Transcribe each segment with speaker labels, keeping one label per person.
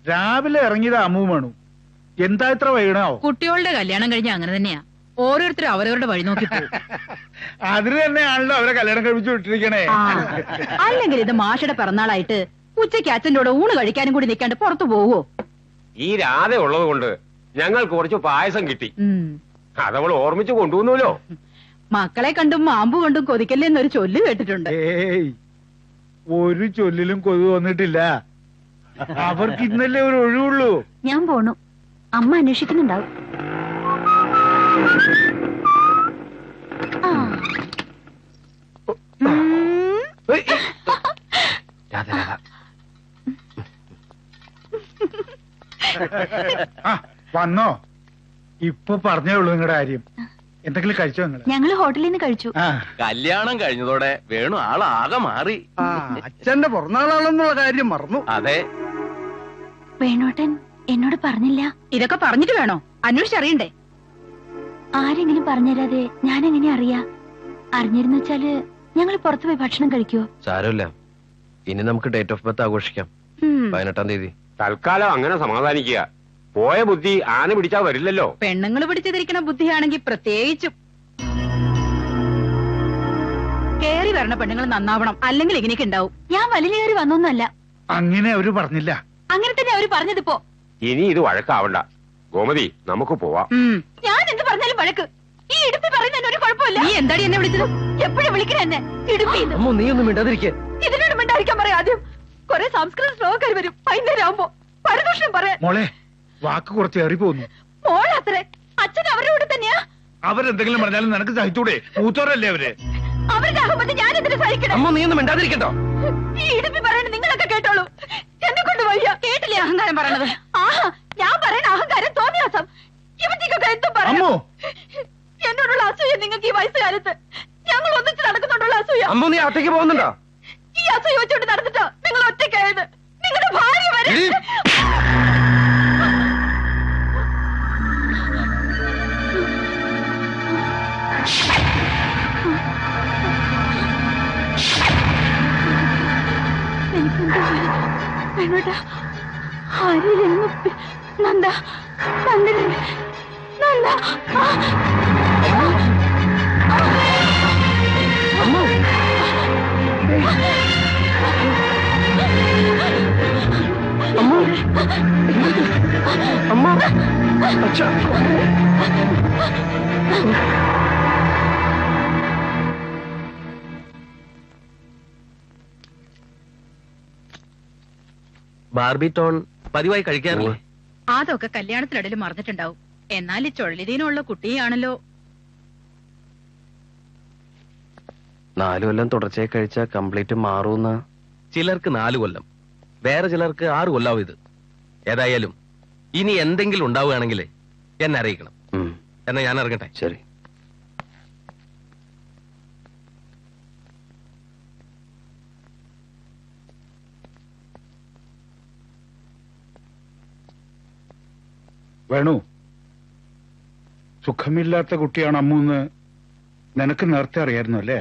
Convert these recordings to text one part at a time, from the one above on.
Speaker 1: രാവിലെ ഇറങ്ങിയത് അമ്മു വേണു. എന്താ ഇത്ര വൈകണോ?
Speaker 2: കുട്ടികളുടെ കല്യാണം കഴിഞ്ഞ അങ്ങനെ തന്നെയാ, ഓരോരുത്തരും അവരവരുടെ വഴി നോക്കി പോകും.
Speaker 1: അതിന് തന്നെയാണല്ലോ അവരെ കല്യാണം കഴിപ്പിച്ചു വിട്ടിരിക്കണേ.
Speaker 2: അല്ലെങ്കിൽ ഇത് മാഷയുടെ പിറന്നാളായിട്ട് ഉച്ചയ്ക്ക് അച്ഛൻ്റെ കൂടെ ഊണ് കഴിക്കാനും കൂടി നിൽക്കാണ്ട് പുറത്തു പോവോ?
Speaker 3: ഈ രാധ ഉള്ളത് കൊണ്ട് ഞങ്ങൾക്ക് കുറച്ച് പായസം കിട്ടി, അതവൾ ഓർമ്മിച്ചു കൊണ്ടുവന്നല്ലോ.
Speaker 2: മക്കളെ കണ്ടും മാമ്പു കൊണ്ടും കൊതിക്കല്ലേ എന്നൊരു ചൊല്ല് കേട്ടിട്ടുണ്ട്.
Speaker 1: ഏയ്, ഒരു ചൊല്ലിലും കൊതു വന്നിട്ടില്ല. അവർക്ക് ഇന്നല്ലേ ഒരു ഒഴിവുള്ളൂ.
Speaker 4: ഞാൻ പോണു, അമ്മ അന്വേഷിക്കുന്നുണ്ടാവും.
Speaker 1: വന്നോ? ഇപ്പൊ പറഞ്ഞേ ഉള്ളൂ നിങ്ങളുടെ കാര്യം. എന്തെങ്കിലും കഴിച്ചോ നിങ്ങള്?
Speaker 4: ഞങ്ങള് ഹോട്ടലിൽ നിന്ന് കഴിച്ചു.
Speaker 5: കല്യാണം കഴിഞ്ഞതോടെ വേണു ആളാകെ മാറി.
Speaker 6: അച്ഛന്റെ പിറന്നാളാണെന്നുള്ള കാര്യം മറന്നു.
Speaker 5: അതെ,
Speaker 4: വേണോട്ടൻ എന്നോട് പറഞ്ഞില്ല.
Speaker 2: ഇതൊക്കെ പറഞ്ഞിട്ട് വേണോ അന്വേഷിച്ചറിയണ്ടേ?
Speaker 4: ആരെങ്കിലും പറഞ്ഞുതരാതെ ഞാൻ എങ്ങനെ അറിയാ? അറിഞ്ഞിരുന്നു വെച്ചാല് ഞങ്ങൾ പുറത്തു പോയി ഭക്ഷണം കഴിക്കുവോ?
Speaker 5: സാരമില്ല, ഇനി നമുക്ക് ഡേറ്റ് ഓഫ് ബർത്ത് ആഘോഷിക്കാം. 18-ാം തീയതി.
Speaker 3: തൽക്കാലം അങ്ങനെ സമാധാനിക്കുക. പോയ ബുദ്ധി ആന പിടിച്ചാ വരില്ലല്ലോ.
Speaker 2: പെണ്ണുങ്ങൾ പിടിച്ചിരിക്കണ ബുദ്ധിയാണെങ്കിൽ പ്രത്യേകിച്ചും. കേറി വരണ പെണ്ണുങ്ങൾ നന്നാവണം, അല്ലെങ്കിൽ ഇങ്ങനെയൊക്കെ ഉണ്ടാവും.
Speaker 4: ഞാൻ വലിയേറി വന്നൊന്നുമല്ല.
Speaker 1: അങ്ങനെ അവര് പറഞ്ഞില്ല.
Speaker 4: അങ്ങനെ തന്നെ അവര് പറഞ്ഞതിപ്പോ.
Speaker 3: ഇനി ഇത് വഴക്കാവണ്ട ഗോമതി, നമുക്ക് പോവാം.
Speaker 4: ഞാൻ എന്ത് പറഞ്ഞാലും വഴക്ക്. ഈ ഇടുപ്പി പറയുന്നതിന് ഒരു കുഴപ്പമില്ല.
Speaker 2: നീ എന്താടി എന്നെ വിളിച്ചത്?
Speaker 4: എപ്പോഴും വിളിക്കണ എന്നെ ഇടുപ്പി.
Speaker 5: നീ ഒന്നും മിണ്ടാതിരിക്കേ.
Speaker 4: ഇതിനോട് മിണ്ടായിരിക്കാൻ പറയാം. ആദ്യം കൊറേ സംസ്കൃത ശ്ലോകർ വരും വൈകുന്നേരം ആവുമ്പോ. പരദൂഷണം പറയാൻ
Speaker 1: മോളെ, വാക്ക് കുറച്ച് ഏറി പോകുന്നു.
Speaker 4: മോളത്രേ അച്ഛൻ അവരുടെ കൂടെ തന്നെയാ.
Speaker 1: അവരെന്തെങ്കിലും പറഞ്ഞാലും നിനക്ക് സഹിച്ചൂടെ? മൂത്തോരല്ലേ അവര്.
Speaker 4: അവരുടെ ആകുമ്പോ ഞാൻ എന്തിനു സഹിക്കണം?
Speaker 5: അമ്മ, നീ ഒന്നും മിണ്ടാതിരിക്കട്ടോ.
Speaker 4: ഈ ഇടുപ്പി പറയണ നിങ്ങളൊക്കെ കേട്ടോളൂ. എന്നെ കൊണ്ട് വയ്യ. കേട്ടില്ലേ അഹങ്കാരം പറയണത്? ആഹാ, ഞാൻ പറയണ അഹങ്കാരം തോന്നിയാസം. ഇവറ്റിക്കൊക്കെ എന്തും പറയാം. എന്നോടുള്ള അസൂയ നിങ്ങൾക്ക് ഈ വയസ്സുകാലത്ത്. ഞങ്ങൾ ഒന്നിച്ച് നടക്കുന്നുണ്ടുള്ള അസൂയ.
Speaker 5: അമ്മ, നീ അകത്തേക്ക് പോകുന്നുണ്ടോ?
Speaker 4: ഈ അസൂയ വെച്ചോണ്ട് നടന്നിട്ടോ നിങ്ങൾ ഒറ്റയ്ക്കായത്? നിങ്ങളുടെ ഭാര്യ വരെ. നന്ദ നന്ദ നന്ദ
Speaker 5: അമ്മ, അച്ഛാ. ബാർബി ടോൺ പതിവായി കഴിക്കാറില്ലേ?
Speaker 2: അതൊക്കെ കല്യാണത്തിനിടയിൽ മറന്നിട്ടുണ്ടാവും. എന്നാൽ ഈ ചുഴലിതീനുള്ള കുട്ടിയാണല്ലോ.
Speaker 5: 4 കൊല്ലം തുടർച്ചയായി കഴിച്ചാൽ കംപ്ലീറ്റ് മാറൂന്ന്. ചിലർക്ക് 4 കൊല്ലം, വേറെ ചിലർക്ക് 6 കൊല്ലാവും ഇത്. ഏതായാലും ഇനി എന്തെങ്കിലും ഉണ്ടാവുകയാണെങ്കിൽ എന്നെ അറിയിക്കണം. എന്നാ ഞാൻ ഇറങ്ങട്ടെ. ശരി.
Speaker 1: വേണു, സുഖമില്ലാത്ത കുട്ടിയാണ് അമ്മൂന്ന് നിനക്ക് നേരത്തെ അറിയായിരുന്നു അല്ലേ?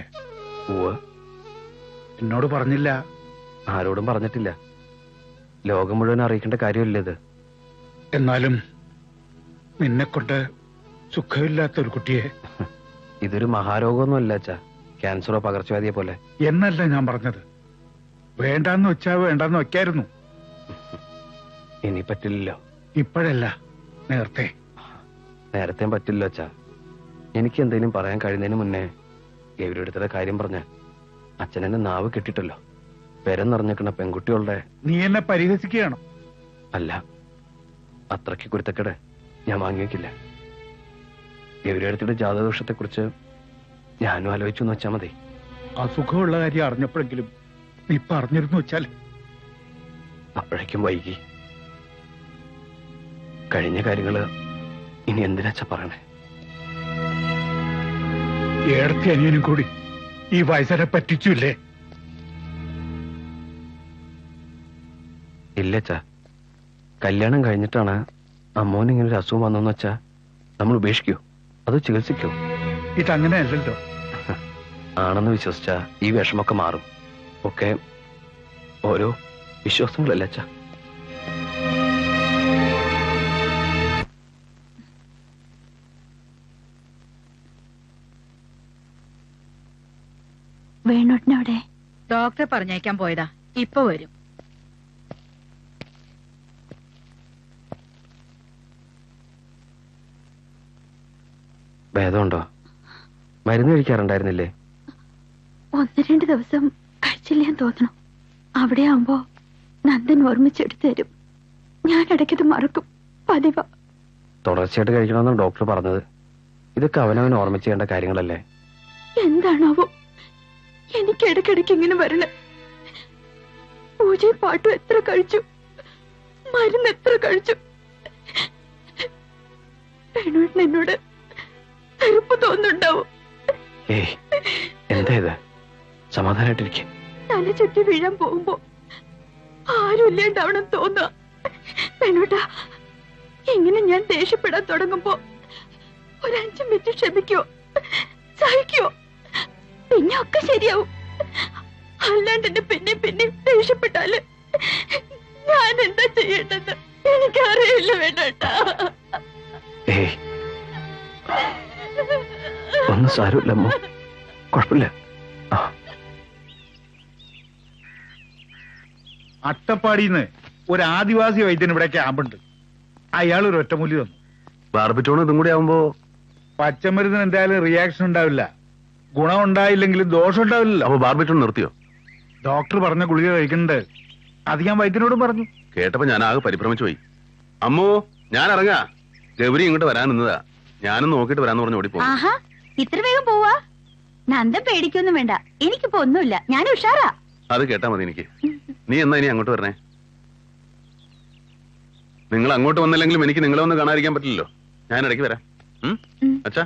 Speaker 1: എന്നോട് പറഞ്ഞില്ല.
Speaker 5: ആരോടും പറഞ്ഞിട്ടില്ല. ലോകം മുഴുവൻ അറിയിക്കേണ്ട കാര്യമില്ല ഇത്.
Speaker 1: എന്നാലും നിന്നെക്കൊണ്ട് സുഖമില്ലാത്ത ഒരു കുട്ടിയെ.
Speaker 5: ഇതൊരു മഹാരോഗമൊന്നുമല്ല അച്ഛാ, ക്യാൻസറോ പകർച്ചവ്യാധിയെ പോലെ.
Speaker 1: എന്നല്ല ഞാൻ പറഞ്ഞത്. വേണ്ടാന്ന് വെച്ചാ വേണ്ടാന്ന് വെക്കായിരുന്നു.
Speaker 5: ഇനി പറ്റില്ലല്ലോ.
Speaker 1: ഇപ്പോഴല്ല, നേരത്തെ.
Speaker 5: നേരത്തെ പറ്റില്ല അച്ഛാ. എനിക്ക് എന്തെങ്കിലും പറയാൻ കഴിയുന്നതിന് മുന്നേ ഗൗരിയുടെ കാര്യം പറഞ്ഞ അച്ഛനെന്നെ നാവ് കെട്ടിട്ടല്ലോ. പെരം നിറഞ്ഞിക്കണ പെൺകുട്ടികളുടെ.
Speaker 1: നീ എന്നെ പരിഹസിക്കുകയാണോ?
Speaker 5: അല്ല, അത്രയ്ക്ക് കുരുത്തക്കേട് ഞാൻ വാങ്ങിവെക്കില്ല. ഗൗരിയുടെ ജാതദോഷത്തെ കുറിച്ച് ഞാനും ആലോചിച്ചു എന്ന് വെച്ചാ മതി.
Speaker 1: അസുഖമുള്ള കാര്യം അറിഞ്ഞപ്പോഴെങ്കിലും നീ പറഞ്ഞിരുന്നു വെച്ചാൽ.
Speaker 5: അപ്പോഴേക്കും വൈകി. കഴിഞ്ഞ കാര്യങ്ങള് ഇനി എന്തിനാച്ചാ പറയണേ?
Speaker 1: ഏടത്തി അനിയനും കൂടി ഈ വയസ്സനെ പറ്റിച്ചില്ലേ?
Speaker 5: ഇല്ലച്ചാ, കല്യാണം കഴിഞ്ഞിട്ടാണ് അമ്മോന് ഇങ്ങനെ ഒരു അസുഖം വന്നെന്ന് വെച്ചാ നമ്മൾ ഉപേക്ഷിക്കോ അത് ചികിത്സിക്കോ?
Speaker 1: ഇതങ്ങനെയല്ലല്ലോ.
Speaker 5: ആണെന്ന് വിശ്വസിച്ചാ ഈ വിഷമൊക്കെ മാറും. ഒക്കെ ഓരോ വിശ്വാസങ്ങളല്ല അച്ഛാ.
Speaker 4: വേണോട്ടിനവിടെ
Speaker 2: ഡോക്ടറെ പറഞ്ഞയക്കാൻ പോയതാ, ഇപ്പൊ വരും.
Speaker 5: ഭേദമുണ്ടോ? മരുന്ന് കഴിക്കാറുണ്ടായിരുന്നില്ലേ?
Speaker 4: 1-2 ദിവസം കഴിച്ചില്ലാന്ന് തോന്നണം. അവിടെ ആവുമ്പോ നന്ദൻ ഓർമ്മിച്ചെടുത്തു തരും. ഞാൻ ഇടയ്ക്കത് മറക്കും, പതിവാ.
Speaker 5: തുടർച്ചയായിട്ട് കഴിക്കണമെന്നാണ് ഡോക്ടർ പറഞ്ഞത്. ഇതൊക്കെ അവനവൻ ഓർമ്മിച്ച് ചെയ്യേണ്ട കാര്യങ്ങളല്ലേ?
Speaker 4: എന്താണാവോ എനിക്ക് ഇടയ്ക്കിടയ്ക്ക് ഇങ്ങനെ വരണേ. പൂജയും പാട്ടും എത്ര കഴിച്ചു, മരുന്ന് എത്ര കഴിച്ചു. വേണോട്ടിന് എന്നോട് വെറുപ്പ് തോന്നുന്നുണ്ടാവും.
Speaker 5: ഏയ്, എന്താ ഇത്? സമാധാനായിട്ടിരിക്കും.
Speaker 4: തല ചുറ്റി വീഴാൻ പോകുമ്പോ ആരും ഇല്ലാണ്ടാവണം തോന്നുക. വേണോട്ടാ, ഇങ്ങനെ ഞാൻ ദേഷ്യപ്പെടാൻ തുടങ്ങുമ്പോ 5 മിനിറ്റ് ക്ഷമിക്കോ, സഹിക്കോ, പിന്നെ ഒക്കെ ശരിയാവും. അല്ലാണ്ട് എന്നെ പിന്നെ ദേഷ്യപ്പെട്ടാല് ഞാൻ എന്താ ചെയ്യേണ്ടത് എനിക്കറിയില്ല. വേണോട്ടാ,
Speaker 5: ഏയ്, ഒന്നും സാരമില്ലമ്മോ, കുഴപ്പമില്ല.
Speaker 1: അട്ടപ്പാടിന്ന് ഒരു ആദിവാസി വൈദ്യൻ ഇവിടെ ക്യാമ്പുണ്ട്. അയാൾ ഒരു ഒറ്റമൂലി തന്നു.
Speaker 7: ബാർബിറ്റോണും ഇതും കൂടി ആവുമ്പോ
Speaker 1: പച്ചമരുന്നിന് എന്തായാലും റിയാക്ഷൻ ഉണ്ടാവില്ല. ഗുണം ഉണ്ടായില്ലെങ്കിലും ദോഷം ഉണ്ടാവില്ലല്ലോ.
Speaker 7: അപ്പൊ ബാർബിറ്റോൺ നിർത്തിയോ?
Speaker 1: ഡോക്ടർ പറഞ്ഞ ഗുളിക കഴിക്കുന്നുണ്ട്. അത് ഞാൻ വൈദ്യനോടും പറഞ്ഞു.
Speaker 7: കേട്ടപ്പോ ഞാൻ ആകെ പരിഭ്രമിച്ചു പോയി. അമ്മോ, ഞാൻ ഇറങ്ങാ. ഗൗരി ഇങ്ങോട്ട് വരാൻ നിന്നതാ. ഞാനും നോക്കിട്ട് വരാന്ന് പറഞ്ഞു ഓടിപ്പോ.
Speaker 4: ആഹാ, ഇത്ര വേഗം പോവാ? നന്ദൻ പേടിക്കൊന്നും വേണ്ട, എനിക്കിപ്പോ ഒന്നുമില്ല, ഞാൻ ഉഷാറാ.
Speaker 7: അത് കേട്ടാ മതി എനിക്ക്. നീ എന്നാ ഇനി അങ്ങോട്ട് വരണേ? നിങ്ങൾ അങ്ങോട്ട് വന്നില്ലെങ്കിലും എനിക്ക് നിങ്ങളെ ഒന്ന് കാണാതിരിക്കാൻ പറ്റില്ലല്ലോ. ഞാൻ ഇടയ്ക്ക് വരാം. അച്ഛാ,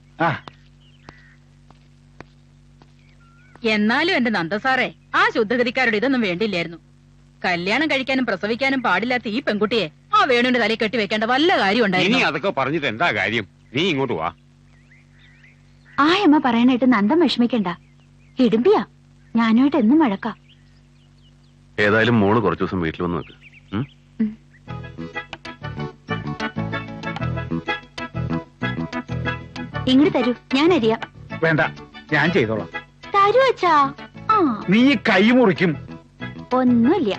Speaker 2: എന്നാലും എന്റെ നന്ദസാറേ, ആ ശുദ്ധഗതിക്കാരോട് ഇതൊന്നും വേണ്ടില്ലായിരുന്നു. കല്യാണം കഴിക്കാനും പ്രസവിക്കാനും പാടില്ലാത്ത ഈ പെൺകുട്ടിയെ ആ വേണുവിന്റെ തലയിൽ കെട്ടി വെക്കേണ്ട വല്ല കാര്യം
Speaker 3: ഇനി
Speaker 2: ഉണ്ടായിരുന്നു?
Speaker 3: അതൊക്കെ പറഞ്ഞിട്ട് എന്താ കാര്യം? നീ ഇങ്ങോട്ട് വാ.
Speaker 4: ആ അമ്മ പറയണായിട്ട് നന്ദൻ വിഷമിക്കണ്ട. ഇടുമ്പിയാ, ഞാനുമായിട്ട് എന്നും വഴക്കാം.
Speaker 7: ഏതായാലും മോള് കുറച്ചു ദിവസം വീട്ടിൽ വന്ന് നിൽക്ക്.
Speaker 4: ഇങ്ങോട്ട് തരൂ, ഞാൻ അറിയാം.
Speaker 1: വേണ്ട, ഞാൻ ചെയ്തോളാം.
Speaker 4: തരൂ അച്ഛാ. ആ,
Speaker 1: നീ ഈ കൈ മുറിക്കും.
Speaker 4: ഒന്നുമില്ല.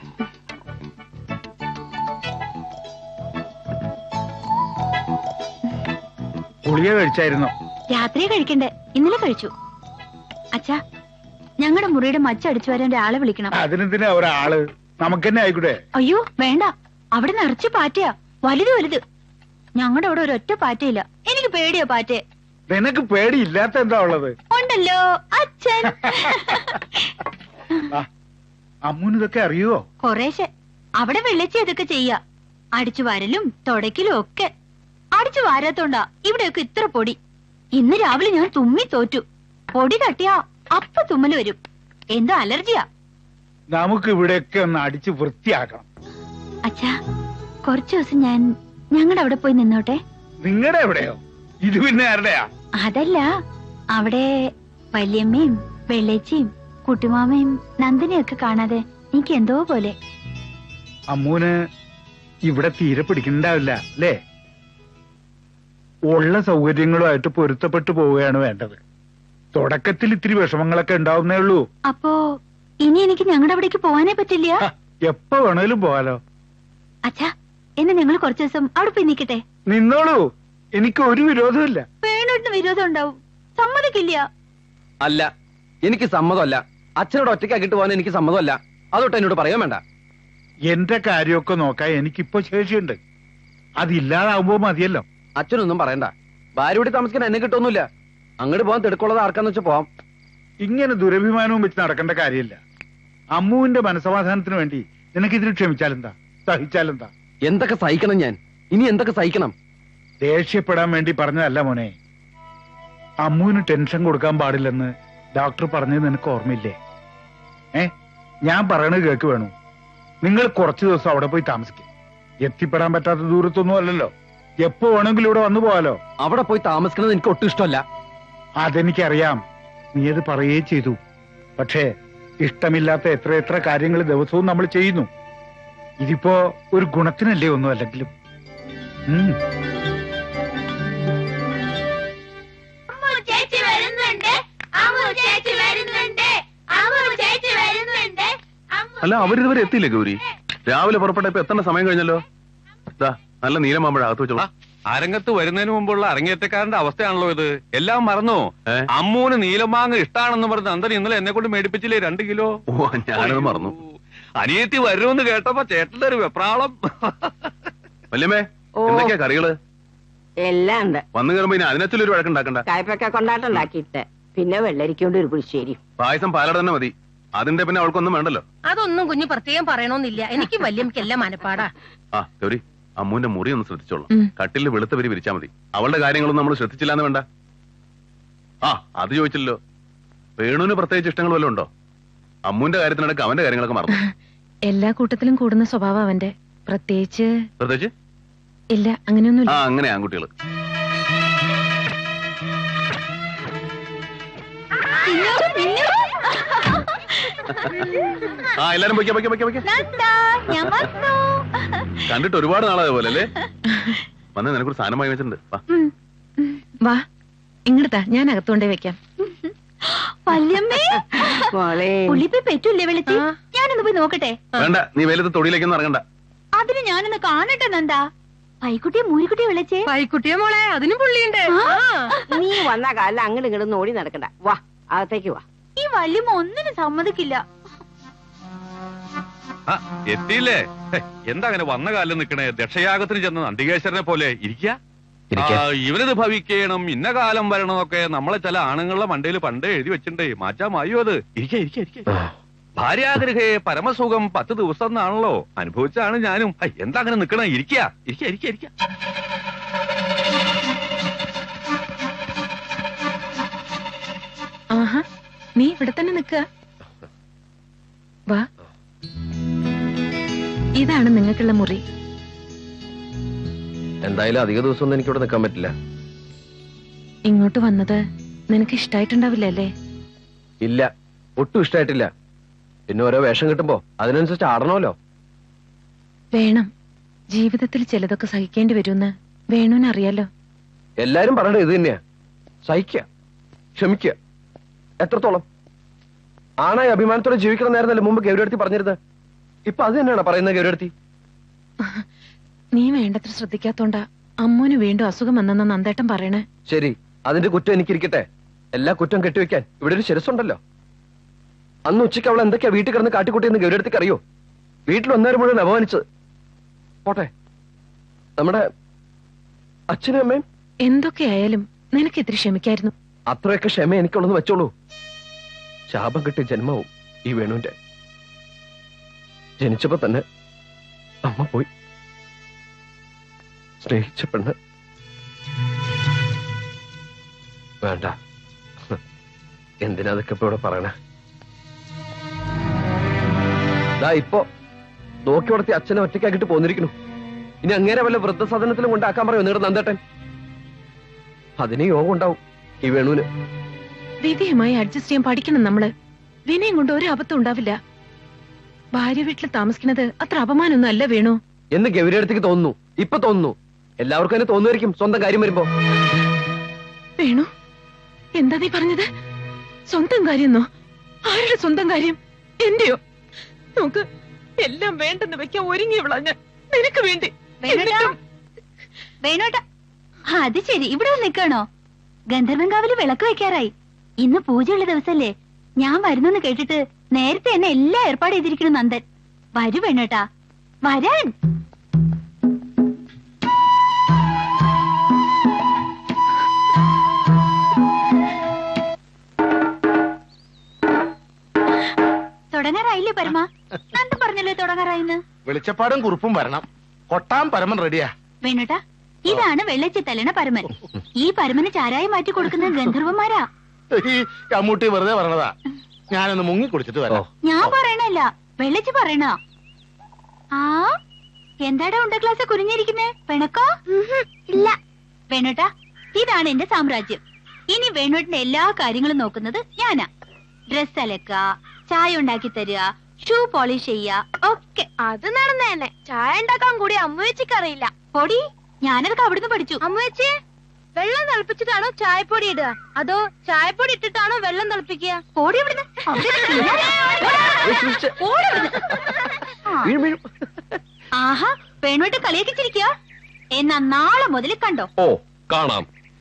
Speaker 1: ഗുളിക കഴിച്ചായിരുന്നോ?
Speaker 4: രാത്രിയെ കഴിക്കണ്ടേ, ഇന്നലെ കഴിച്ചു. അച്ഛാ, ഞങ്ങളുടെ മുറിയുടെ മച്ചടിച്ചു വരാൻ ഒരാളെ വിളിക്കണം.
Speaker 1: അതിനെന്തിനാ ഒരാള്? നമുക്ക് തന്നെ ആയിക്കൂടെ?
Speaker 4: അയ്യോ വേണ്ട, അവിടെ നിറച്ച് പാറ്റയാ, വലുത്. ഞങ്ങളുടെ അവിടെ ഒരൊറ്റ പാറ്റയില്ല. എനിക്ക് പേടിയോ പാറ്റയെ?
Speaker 1: നിനക്ക് പേടിയില്ലാത്ത എന്താ ഉള്ളത്?
Speaker 4: ഉണ്ടല്ലോ അച്ഛൻ.
Speaker 1: അമ്മൂന് ഇതൊക്കെ അറിയുവോ?
Speaker 4: കൊറേശ്ശെ. അവിടെ വെള്ളച്ചി അതൊക്കെ ചെയ്യാ. അടിച്ചു വാരലും തുടയ്ക്കലും ഒക്കെ. അടിച്ചു വാരാത്തോണ്ടാ ഇവിടെയൊക്കെ ഇത്ര പൊടി. ഇന്ന് രാവിലെ ഞാൻ തുമ്മി തോറ്റു. പൊടി തട്ടിയാ അപ്പ തുമ്മല് വരും. എന്തോ അലർജിയാ.
Speaker 1: നമുക്ക് ഇവിടെയൊക്കെ ഒന്ന് അടിച്ച് വൃത്തിയാക്കണം.
Speaker 4: അച്ഛാ, കുറച്ചു ദിവസം ഞാൻ ഞങ്ങളുടെ അവിടെ പോയി നിന്നോട്ടെ.
Speaker 1: നിങ്ങളുടെ എവിടെയോ? ഇത് പിന്നെ ആരുടെയാ?
Speaker 4: അതല്ല, അവിടെ വല്യമ്മയും വെള്ളേച്ചിയും കുട്ടിമാമയും നന്ദിനെയൊക്കെ കാണാതെ എനിക്ക് എന്തോ പോലെ.
Speaker 1: അമ്മൂന് ഇവിടെ തീരെ പിടിക്കണ്ടാവില്ല അല്ലേ? ഉള്ള സൗകര്യങ്ങളുമായിട്ട് പൊരുത്തപ്പെട്ടു പോവുകയാണ് വേണ്ടത്. തുടക്കത്തിൽ ഇത്തിരി വിഷമങ്ങളൊക്കെ ഉണ്ടാവുന്നേ ഉള്ളൂ.
Speaker 4: അപ്പോ ഇനി എനിക്ക് ഞങ്ങളുടെ അവിടേക്ക് പോവാനേ പറ്റില്ല?
Speaker 1: എപ്പോ വേണേലും പോവാലോ.
Speaker 4: അച്ഛാ, എന്നെ ഞങ്ങൾ കുറച്ചു ദിവസം അവിടെ പോയി നിൽക്കട്ടെ?
Speaker 1: നിന്നോളൂ, എനിക്ക് ഒരു വിരോധമില്ല.
Speaker 4: വേണോട്ടിന് വിരോധം ഉണ്ടാവും, സമ്മതിക്കില്ല.
Speaker 5: അല്ല, എനിക്ക് സമ്മതമല്ല. അച്ഛനോട് ഒറ്റയ്ക്കാക്കിട്ട് പോകാൻ എനിക്ക് സമ്മതമല്ല. അതൊട്ട് എന്നോട് പറയാൻ വേണ്ട.
Speaker 1: എന്റെ കാര്യമൊക്കെ നോക്കാൻ എനിക്കിപ്പോ ശേഷിയുണ്ട്. അതില്ലാതാവുമ്പോ മതിയല്ലോ.
Speaker 5: അച്ഛനൊന്നും പറയണ്ട. ഭാര്യ കൂടി താമസിക്കാൻ എന്നെ കിട്ടൊന്നുമില്ല. അങ്ങോട്ട് പോകാൻ തിടുക്കുള്ളത് ആർക്കാന്ന് വെച്ചാൽ പോവാം.
Speaker 1: ഇങ്ങനെ ദുരഭിമാനവും വെച്ച് നടക്കേണ്ട കാര്യമില്ല. അമ്മുവിന്റെ മനസമാധാനത്തിന് വേണ്ടി നിനക്കിതിന് ക്ഷമിച്ചാലെന്താ, സഹിച്ചാലെന്താ?
Speaker 5: എന്തൊക്കെ സഹിക്കണം ഞാൻ? ഇനി എന്തൊക്കെ സഹിക്കണം?
Speaker 1: ദേഷ്യപ്പെടാൻ വേണ്ടി പറഞ്ഞതല്ല മോനെ. അമ്മുവിന് ടെൻഷൻ കൊടുക്കാൻ പാടില്ലെന്ന് ഡോക്ടർ പറഞ്ഞത് നിനക്ക് ഓർമ്മയില്ലേ? ഞാൻ പറയണത് കേക്ക് വേണു. നിങ്ങൾ കുറച്ചു ദിവസം അവിടെ പോയി താമസിക്കും. എത്തിപ്പെടാൻ പറ്റാത്ത ദൂരത്തൊന്നും അല്ലല്ലോ. എപ്പോ വേണമെങ്കിലും ഇവിടെ വന്നു പോവാലോ.
Speaker 5: അവിടെ പോയി താമസിക്കുന്നത് എനിക്ക് ഒട്ടും ഇഷ്ടമല്ല.
Speaker 1: അതെനിക്കറിയാം, നീ അത് പറയുകയും ചെയ്തു. പക്ഷേ ഇഷ്ടമില്ലാത്ത എത്ര കാര്യങ്ങൾ ദിവസവും നമ്മൾ ചെയ്യുന്നു. ഇതിപ്പോ ഒരു ഗുണത്തിനല്ലേ ഒന്നും അല്ലെങ്കിലും.
Speaker 4: ചേച്ചി വരുന്നുണ്ട്.
Speaker 7: അല്ല അവരിതുവരെ എത്തിയില്ലേ ഗൗരി? രാവിലെ പുറപ്പെട്ട ഇപ്പൊ എത്തേണ്ട സമയം കഴിഞ്ഞല്ലോ. നല്ല നീലമാമ്പഴ അകത്ത് വെച്ചോളാം.
Speaker 8: അരങ്ങത്ത് വരുന്നതിന് മുമ്പുള്ള അരങ്ങേറ്റക്കാരന്റെ അവസ്ഥയാണല്ലോ ഇത്. എല്ലാം മറന്നു. അമ്മൂന് നീലമാങ്ങ ഇഷ്ടാണെന്ന് പറഞ്ഞ് നന്ദൻ ഇന്നലെ എന്നെ കൊണ്ട് മേടിപ്പിച്ചില്ലേ 2 കിലോ.
Speaker 7: ഓ, ഞാനത് മറന്നു.
Speaker 8: അനിയത്തി വരുമെന്ന് കേട്ടപ്പോ ചേട്ടന്റെ ഒരു വെപ്രാളം.
Speaker 7: വല്യമ്മേ, എന്തൊക്കെയാ കറികള്?
Speaker 9: എല്ലാം ഉണ്ട്.
Speaker 7: വന്നു കയറുമ്പോ ഇനി അതിനകത്തൊരു വഴക്കുണ്ടാക്കണ്ട.
Speaker 9: കായ്പക്ക കൊണ്ടാട്ടുണ്ടാക്കിയിട്ട് പിന്നെ വെള്ളരിക്കൊണ്ട് ഒരു പുളിശ്ശേരി.
Speaker 7: പായസം പാലട തന്നെ മതി. അതിന്റെ പിന്നെ അവൾക്കൊന്നും വേണ്ടല്ലോ.
Speaker 10: അതൊന്നും കുഞ്ഞു പ്രത്യേകം പറയണമെന്നില്ല. എനിക്ക് വല്യമ്മക്കെല്ലാം മനപ്പാടാ.
Speaker 7: ആ ഗൗരി, അമ്മൂന്റെ മുറി ഒന്ന് ശ്രദ്ധിച്ചോളാം. കട്ടിലിൽ വെളുത്ത വരി വിരിച്ചാ മതി. അവളുടെ കാര്യങ്ങളൊന്നും നമ്മൾ ശ്രദ്ധിച്ചില്ലാന്ന് വേണ്ട. ആ അത് ചോദിച്ചില്ലല്ലോ. വേണുവിന് പ്രത്യേകിച്ച് ഇഷ്ടങ്ങൾ വല്ലതും ഉണ്ടോ? അമ്മൂന്റെ കാര്യത്തിനടക്കം അവന്റെ കാര്യങ്ങളൊക്കെ മറന്നു.
Speaker 11: എല്ലാ കൂട്ടത്തിലും കൂടുന്ന സ്വഭാവം അവന്റെ. പ്രത്യേകിച്ച് ഇല്ല, അങ്ങനെയൊന്നും.
Speaker 7: ആ അങ്ങനെ ആൺകുട്ടികള്. ആ എല്ലാരും കണ്ടിട്ട് ഒരുപാട് നാളായ പോലെ അല്ലേ? വന്ന് നിനക്കൊരു സാധനമായി വെച്ചിട്ടുണ്ട്.
Speaker 11: വാ ഇങ്ങടുത്താ, ഞാൻ അകത്തോണ്ടേ വെക്കാം.
Speaker 4: പെറ്റൂല്ലേ വിളിച്ച്? ഞാനൊന്ന് പോയി നോക്കട്ടെ.
Speaker 7: വേണ്ട, നീ വെയിലത്ത് തൊടിയിലേക്കൊന്നും ഇറങ്ങണ്ട.
Speaker 4: അതിന് ഞാനൊന്ന് കാണട്ടെ നന്ദാ. പൈക്കുട്ടിയെ മൂരിക്കുട്ടിയെ വിളിച്ചേ.
Speaker 10: പൈക്കുട്ടിയെ മോളെ, അതിനും പുള്ളിയുണ്ട്.
Speaker 9: നീ വന്ന കാലം അങ്ങോട്ട് ഇങ്ങോട്ട് ഓടി നടക്കണ്ട. വാ അകത്തേക്ക് വാ.
Speaker 4: ഈ വല്യമ്മ ഒന്നിനും സമ്മതിക്കില്ല.
Speaker 8: എത്തിയില്ലേ? എന്താ അങ്ങനെ വന്ന കാലം നിക്കണേ? ദക്ഷയാഗത്തിന് ചെന്ന് നന്ദികേശ്വരനെ പോലെ ഇരിക്ക. ഇവനിത് ഭവിക്കണം, ഇന്ന കാലം വരണമെന്നൊക്കെ നമ്മളെ ചില ആണുങ്ങളുടെ മണ്ടയിൽ പണ്ടേ എഴുതി വെച്ചിട്ടേ. മാറ്റാമായോ അത്? ഇരിക്ക. ഭാര്യാഗ്രഹേ പരമസുഖം 10 ദിവസം എന്നാണല്ലോ. അനുഭവിച്ചാണ് ഞാനും. എന്താ അങ്ങനെ നിക്കണേ? ഇരിക്ക.
Speaker 11: ആഹാ, നീ ഇവിടെ തന്നെ നിക്ക. വാ, ഇതാണ് നിങ്ങൾക്കുള്ള മുറി.
Speaker 5: എന്തായാലും അധിക ദിവസമൊന്നും എനിക്കിവിടെ നിൽക്കാൻ പറ്റില്ല.
Speaker 11: ഇങ്ങോട്ട് വന്നത് നിനക്ക് ഇഷ്ടായിട്ടുണ്ടാവില്ല അല്ലേ?
Speaker 5: ഇല്ല, ഒട്ടും ഇഷ്ടായിട്ടില്ല. പിന്നെ ഓരോ വേഷം കിട്ടുമ്പോ അതിനനുസരിച്ച് ആടണമല്ലോ.
Speaker 11: വേണം. ജീവിതത്തിൽ ചിലതൊക്കെ സഹിക്കേണ്ടി വരുമെന്ന് വേണുവിന് അറിയാലോ.
Speaker 5: എല്ലാരും പറയണത് ഇത് തന്നെയാ. സഹിക്കുക, ക്ഷമിക്കുക. എത്രത്തോളം ആണായി അഭിമാനത്തോടെ ജീവിക്കണമെന്നായിരുന്നല്ലേ മുമ്പ് ഗൗരിയടുത്തി പറഞ്ഞിരുന്നത്? ഇപ്പൊ അത് തന്നെയാണ് പറയുന്നത് ഗൗരിയടുത്തി.
Speaker 11: നീ വേണ്ടത്ര ശ്രദ്ധിക്കാത്തോണ്ടാ അമ്മൂന് വീണ്ടും അസുഖം വന്നെന്ന നന്ദേട്ടൻ പറയണേ.
Speaker 5: ശരി, അതിന്റെ കുറ്റം എനിക്കിരിക്കട്ടെ. എല്ലാ കുറ്റം കെട്ടിവെക്കാൻ ഇവിടെ ഒരു ശിരസുണ്ടല്ലോ. അന്ന് ഉച്ചയ്ക്ക് അവൾ എന്തൊക്കെയാ വീട്ടിൽ കിടന്ന് കാട്ടിക്കൂട്ടിയെന്ന് ഗൗരിയടുത്തിക്ക് അറിയോ? വീട്ടിൽ ഒന്നേരം മുഴുവൻ അപമാനിച്ചത്. പോട്ടെ, നമ്മുടെ അച്ഛനും അമ്മയും.
Speaker 11: എന്തൊക്കെയായാലും നിനക്ക് ഇത്തിരി ക്ഷമിക്കായിരുന്നു.
Speaker 5: അത്രയൊക്കെ ക്ഷമ എനിക്കുള്ളെന്ന് വെച്ചോളൂ. ശാപം കിട്ടിയ ജന്മവും ഈ വേണുവിന്റെ. ജനിച്ചപ്പോ തന്നെ അമ്മ പോയി. സ്നേഹിച്ച പെണ്ണ്. വേണ്ട, എന്തിനാ അതൊക്കെ ഇപ്പൊ ഇവിടെ പറയണേ? ഇപ്പൊ നോക്കി വളർത്തി അച്ഛനെ ഒറ്റയ്ക്കാക്കിട്ട് പോന്നിരിക്കുന്നു. ഇനി അങ്ങേരെ വല്ല വൃദ്ധസദനത്തിലും കൊണ്ടാക്കാൻ പറയോ നിങ്ങളുടെ നന്ദേട്ടൻ? അതിന് യോഗം ഉണ്ടാവും ഈ വേണുവിന്.
Speaker 11: വിധിയുമായി അഡ്ജസ്റ്റ് ചെയ്യാൻ പഠിക്കണം നമ്മള്. വിനയം കൊണ്ട് ഒരു അബദ്ധം ഉണ്ടാവില്ല. ഭാര്യ വീട്ടിൽ താമസിക്കുന്നത് അത്ര അപമാനൊന്നും അല്ല വേണു
Speaker 5: എന്ന് ഗൗരിയടുത്തേക്ക് തോന്നുന്നു. ഇപ്പൊ തോന്നുന്നു. എല്ലാവർക്കും തന്നെ തോന്നുമായിരിക്കും സ്വന്തം കാര്യം വരുമ്പോ.
Speaker 11: വേണു, എന്താ നീ പറഞ്ഞത്? സ്വന്തം കാര്യന്നോ? ആരുടെ സ്വന്തം കാര്യം? എന്റെയോ? നോക്ക്, എല്ലാം വേണ്ടെന്ന് വെക്കാൻ ഒരുങ്ങി വിളഞ്ഞ നിനക്ക് വേണ്ടി.
Speaker 4: വേണോട്ടാ, അത് ശരി. ഇവിടെ നിൽക്കണോ? ഗന്ധർവൻകാവില് വിളക്ക് വെക്കാറായി. ഇന്ന് പൂജയുള്ള ദിവസല്ലേ? ഞാൻ വരുന്നെന്ന് കേട്ടിട്ട് നേരത്തെ എന്നെ എല്ലാം ഏർപ്പാട് ചെയ്തിരിക്കുന്നു നന്ദൻ. വരൂ വേണോട്ടാ, വരാൻ. തുടങ്ങാറായില്ലേ പരമ? നന്ദൻ പറഞ്ഞല്ലോ തുടങ്ങാറായിന്ന്.
Speaker 6: വെളിച്ചപ്പാടും കുറുപ്പും വരണം. കൊട്ടാൻ പരമൻ റെഡിയാ.
Speaker 4: വേണോട്ടാ, ഇതാണ് വെള്ളച്ചി തലണ പരമൻ. ഈ പരമന് ചാരായി മാറ്റി കൊടുക്കുന്ന ഗന്ധർവന്മാരാ.
Speaker 6: ഈ കമ്മൂട്ടി വെറുതെ പറഞ്ഞതാ. ഞാനൊന്ന് മുങ്ങി കുടിച്ചിട്ട് വരാം.
Speaker 4: ഞാൻ പറയണല്ല, വെള്ളച്ചി പറയണ. ആ എന്താടാ ഉണ്ട ക്ലാസ് കുരിഞ്ഞിരിക്കുന്നേ? പിണക്കോ? ഇല്ല. വേണോട്ടാ, ഇതാണ് എന്റെ സാമ്രാജ്യം. ഇനി വേണോട്ടിന്റെ എല്ലാ കാര്യങ്ങളും നോക്കുന്നത് ഞാനാ. ഡ്രസ് അലക്ക, ചായ ഉണ്ടാക്കി തരിക, ഷൂ പോളിഷ് ചെയ്യാ ഒക്കെ.
Speaker 12: അത് നടന്നതന്നെ. ചായ ഉണ്ടാക്കാൻ കൂടി അമ്മ വെച്ചിക്ക് അറിയില്ല.
Speaker 4: പൊടി, ഞാനതൊക്കെ അവിടുന്ന് പഠിച്ചു.
Speaker 12: അമ്മ വെച്ച് വെള്ളം
Speaker 10: തിളപ്പിച്ചിട്ടാണോ ചായപ്പൊടി ഇടുക അതോ ചായപ്പൊടി ഇട്ടിട്ടാണോ വെള്ളം തിളപ്പിക്കുക?
Speaker 4: ഓടി ഇവിടുന്ന്. ഓടി ഇവിടുന്ന്. ആഹാ, വേണുമായിട്ട് കളിയാക്കിച്ചിരിക്കുക. എന്നാ നാളെ മുതൽ കണ്ടോ.
Speaker 5: ഓ കാണാം.